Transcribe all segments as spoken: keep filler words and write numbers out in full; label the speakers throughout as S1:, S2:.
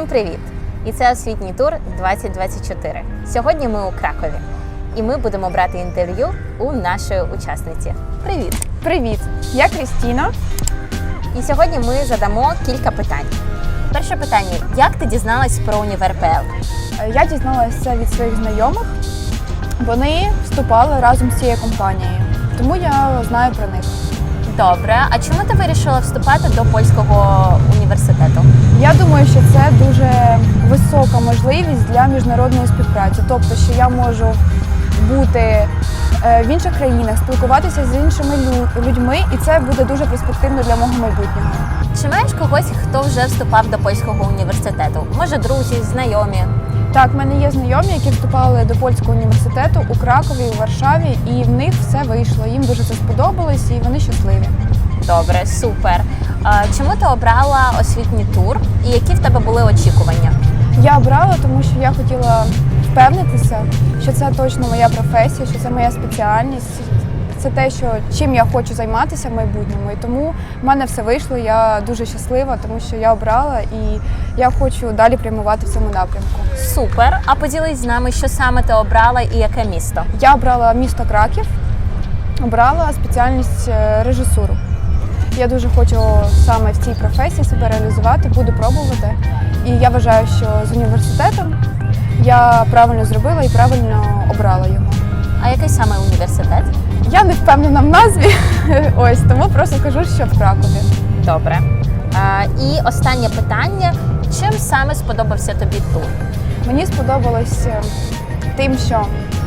S1: Всім привіт! І це освітній тур двадцять двадцять чотири. Сьогодні ми у Кракові. І ми будемо брати інтерв'ю у нашої учасниці. Привіт!
S2: Привіт! Я Крістіна.
S1: І сьогодні ми задамо кілька питань. Перше питання. Як ти дізналась про Універ точка пе ел?
S2: Я дізналася від своїх знайомих. Вони вступали разом з цією компанією, тому я знаю про них.
S1: Добре. А чому ти вирішила вступати до польського університету?
S2: Я думаю, що це дуже висока можливість для міжнародної співпраці. Тобто, що я можу бути в інших країнах, спілкуватися з іншими людьми, і це буде дуже перспективно для мого майбутнього.
S1: Чи маєш когось, хто вже вступав до польського університету? Може, друзі, знайомі?
S2: Так, в мене є знайомі, які вступали до польського університету у Кракові, у Варшаві, і в них все вийшло. Їм дуже це сподобалось, і вони щасливі.
S1: Добре, супер. А чому ти обрала освітній тур і які в тебе були очікування?
S2: Я обрала, тому що я хотіла впевнитися, що це точно моя професія, що це моя спеціальність. Це те, що, чим я хочу займатися в майбутньому. І тому в мене все вийшло, я дуже щаслива, тому що я обрала і я хочу далі прямувати в цьому напрямку.
S1: Супер! А поділись з нами, що саме ти обрала і яке місто?
S2: Я обрала місто Краків, обрала спеціальність режисуру. Я дуже хочу саме в цій професії себе реалізувати, буду пробувати. І я вважаю, що з університетом я правильно зробила і правильно обрала його.
S1: А який саме університет?
S2: Я не впевнена в назві, ось, тому просто скажу, що в Кракові.
S1: Добре. А, і останнє питання. Чим саме сподобався тобі тур?
S2: Мені сподобалось тим, що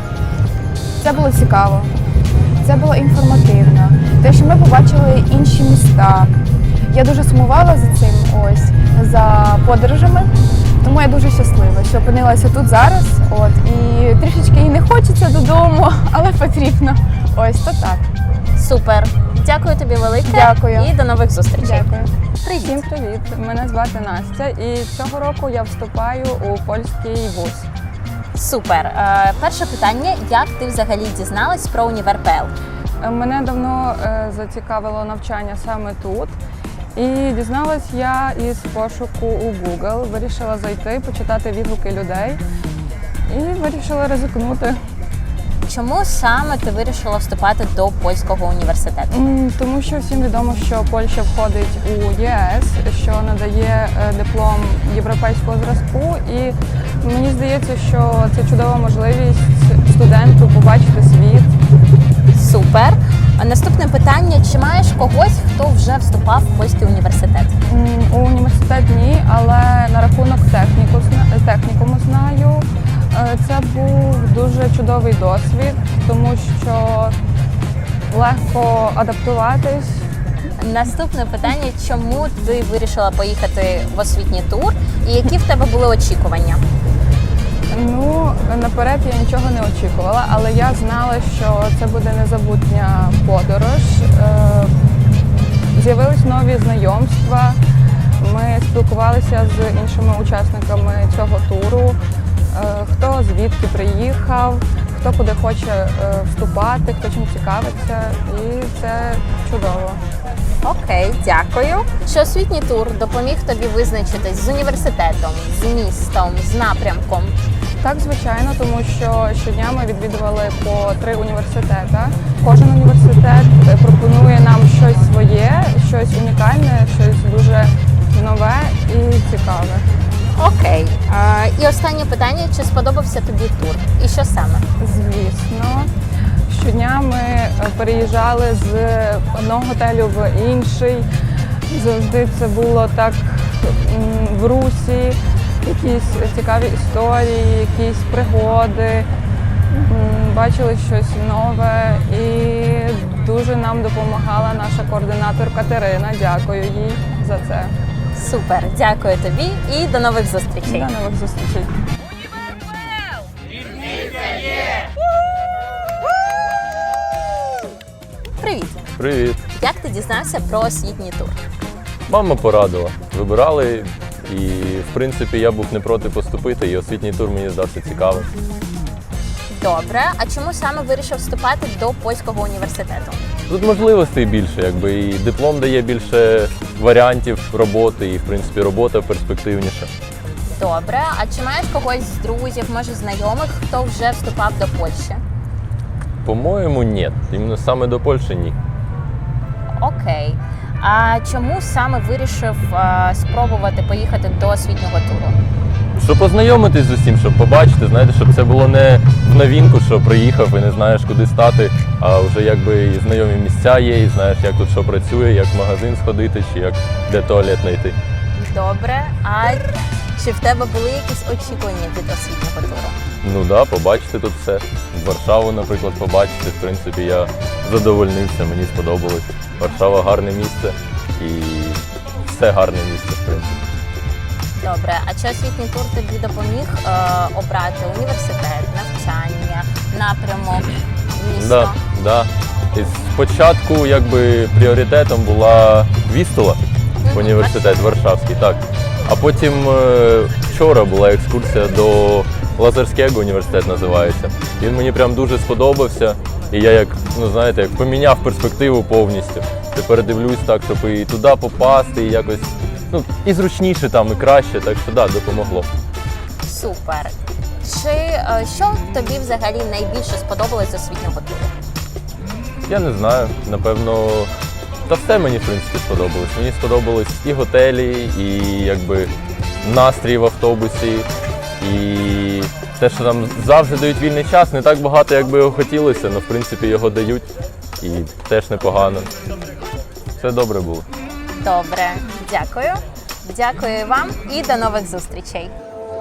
S2: це було цікаво, це було інформативно, те, що ми побачили інші міста. Я дуже сумувала за цим, ось, за подорожами, тому я дуже щаслива, що опинилася тут зараз, от, і трішечки і не хочеться додому, але потрібно. Ось, то так.
S1: Супер. Дякую тобі велике.
S2: Дякую.
S1: І до нових зустрічей.
S2: Дякую.
S1: Привіт.
S3: Всім привіт! Мене звати Настя, і цього року я вступаю у польський вуз.
S1: Супер. Е, перше питання. Як ти взагалі дізналась про Універ точка пе ел?
S3: Мене давно е, зацікавило навчання саме тут. І дізналась я із пошуку у Google. Вирішила зайти, почитати відгуки людей і вирішила ризикнути.
S1: Чому саме ти вирішила вступати до польського університету?
S3: М, Тому що всім відомо, що Польща входить у Є Е С, що надає е, диплом європейського зразку. І мені здається, що це чудова можливість студенту побачити світ.
S1: Супер. А наступне питання. Чи маєш когось, хто вже вступав в польський університет?
S3: М, У університет ні, але на рахунок техніку, зна- технікуму знаю. Е, Це був дуже чудовий досвід, тому що легко адаптуватись.
S1: Наступне питання. Чому ти вирішила поїхати в освітній тур і які в тебе були очікування?
S3: Ну, наперед я нічого не очікувала, але я знала, що це буде незабутня подорож. Е, З'явились нові знайомства, ми спілкувалися з іншими учасниками цього туру, е, хто звідки приїхав, хто куди хоче е, вступати, хто чим цікавиться, і це чудово.
S1: Окей, дякую. Що освітній тур допоміг тобі визначитись з університетом, з містом, з напрямком?
S3: Так, звичайно, тому що щодня ми відвідували по три університети. Кожен університет пропонує нам щось своє, щось унікальне, щось дуже нове і цікаве.
S1: Окей. А, і останнє питання. Чи сподобався тобі тур? І що саме?
S3: Звісно. Щодня ми переїжджали з одного готелю в інший. Завжди це було так м, в русі. Якісь цікаві історії, якісь пригоди, м, бачили щось нове і дуже нам допомагала наша координатор Катерина. Дякую їй за це.
S1: Супер, дякую тобі і до нових зустрічей.
S3: До нових зустрічей.
S1: Привіт!
S4: Привіт.
S1: Як ти дізнався про освітній тур?
S4: Мама порадила. Вибирали, і в принципі я був не проти поступити, і освітній тур мені здався цікавим.
S1: Добре. А чому саме вирішив вступати до польського університету?
S4: Тут можливостей більше, якби і диплом дає більше варіантів роботи, і в принципі робота перспективніша.
S1: Добре. А чи маєш когось з друзів, може знайомих, хто вже вступав до Польщі?
S4: По-моєму, ні. Іменно саме до Польщі ні.
S1: Окей. А чому саме вирішив а, спробувати поїхати до освітнього туру?
S4: Щоб познайомитись з усім, щоб побачити, знаєте, щоб це було не в новинку, що приїхав і не знаєш, куди стати, а вже якби і знайомі місця є, і знаєш, як тут що працює, як в магазин сходити, чи як де туалет знайти.
S1: Добре. А чи в тебе були якісь очікування від освітнього туру?
S4: Ну так, да, побачити тут все. Варшаву, наприклад, побачити. В принципі, я задовольнився, мені сподобалось. Варшава гарне місце і все гарне місце, в принципі.
S1: Добре. А чи освітній тур тобі допоміг е, обрати університет, навчання, напрямок, місто?
S4: Да, да. І спочатку якби пріоритетом була Вістула, університет Варшавський, так. А потім е, вчора була екскурсія до Лазарського, університет називається. Він мені прям дуже сподобався. І я як, ну знаєте, як поміняв перспективу повністю. Тепер дивлюсь так, щоб і туди попасти, і якось, ну, і зручніше там, і краще, так що да, допомогло.
S1: Супер. Чи е, що тобі взагалі найбільше сподобалось з освітнього туру?
S4: Я не знаю, напевно, та все мені, в принципі, сподобалось. Мені сподобались і готелі, і якби настрій в автобусі, і те, що там завжди дають вільний час, не так багато, як би його хотілося, але в принципі його дають і теж непогано. Все добре було.
S1: Добре, дякую. Дякую вам і до нових зустрічей.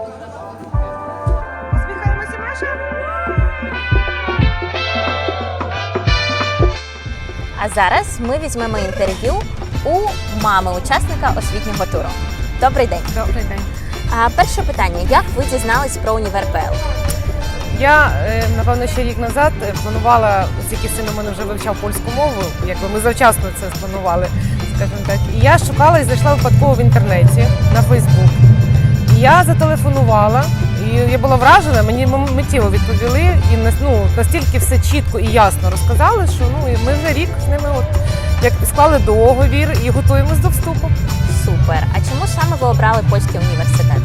S1: А зараз ми візьмемо інтерв'ю у мами учасника освітнього туру. Добрий день.
S5: Добрий день.
S1: А перше питання: як ви дізнались про універ ПЛ?
S5: Я, е, напевно, ще рік назад е, планувала, оскільки син у мене вже вивчав польську мову, якби ми завчасно це спланували, скажімо так. І я шукала і знайшла випадково в інтернеті на Фейсбук. І я зателефонувала, і я була вражена, мені миттєво відповіли, і ну, настільки все чітко і ясно розказали, що ну, і ми вже рік з ними от, як склали договір і готуємось до вступу.
S1: Супер. А чому саме ви обрали польський університет?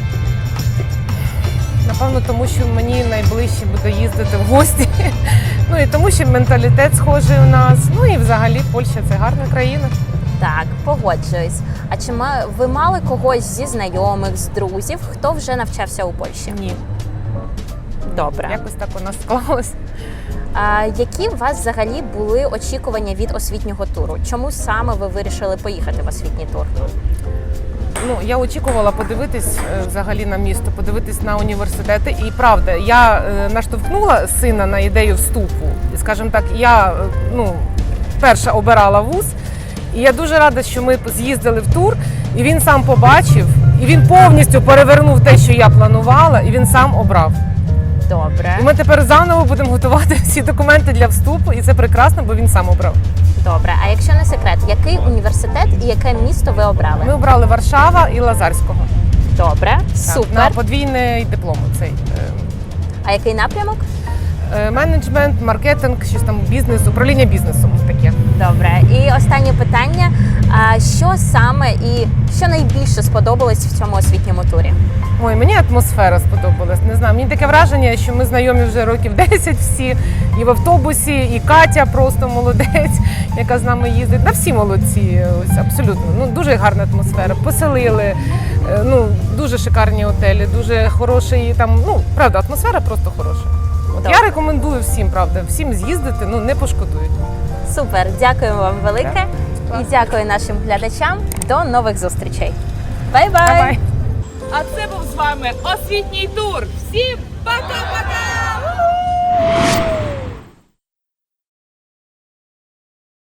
S5: Напевно, тому що мені найближче буде їздити в гості. Ну і тому, що менталітет схожий у нас. Ну і взагалі Польща це гарна країна.
S1: Так, погоджуюсь. А чи ма- ви мали когось зі знайомих, з друзів, хто вже навчався у Польщі?
S5: Ні,
S1: Добре.
S5: якось так у нас склалось.
S1: А які у вас взагалі були очікування від освітнього туру? Чому саме ви вирішили поїхати в освітній тур?
S5: Ну, я очікувала подивитись е, взагалі на місто, подивитись на університети. І правда, я е, наштовхнула сина на ідею вступу. І, скажімо так, я е, ну, перша обирала вуз. І я дуже рада, що ми з'їздили в тур, і він сам побачив, і він повністю перевернув те, що я планувала, і він сам обрав.
S1: Добре.
S5: І ми тепер заново будемо готувати всі документи для вступу, і це прекрасно, бо він сам обрав.
S1: Добре. А якщо не секрет, який університет і яке місто ви обрали?
S5: Ми обрали Варшава і Лазарського.
S1: Добре.
S5: Так,
S1: Супер.
S5: на подвійний диплом цей. е,
S1: А який напрямок?
S5: е, Менеджмент, маркетинг, щось там бізнес, управління бізнесом таке.
S1: Добре. І останнє питання: а що саме і що найбільше сподобалось в цьому освітньому турі?
S5: Ой, мені атмосфера сподобалась. Не знаю, мені таке враження, що ми знайомі вже років десять всі. І в автобусі, і Катя просто молодець, яка з нами їздить. Да всі молодці, ось абсолютно. Ну дуже гарна атмосфера. Поселили, е, ну дуже шикарні готелі, дуже хороший там. Ну правда, атмосфера просто хороша. От
S1: Добре.
S5: я рекомендую всім, правда, всім з'їздити, ну не пошкодують.
S1: Супер, дякую вам велике і дякую нашим глядачам. До нових зустрічей. Бай-бай!
S5: Бай-бай!
S6: А це був з вами освітній тур. Всім пока-пока!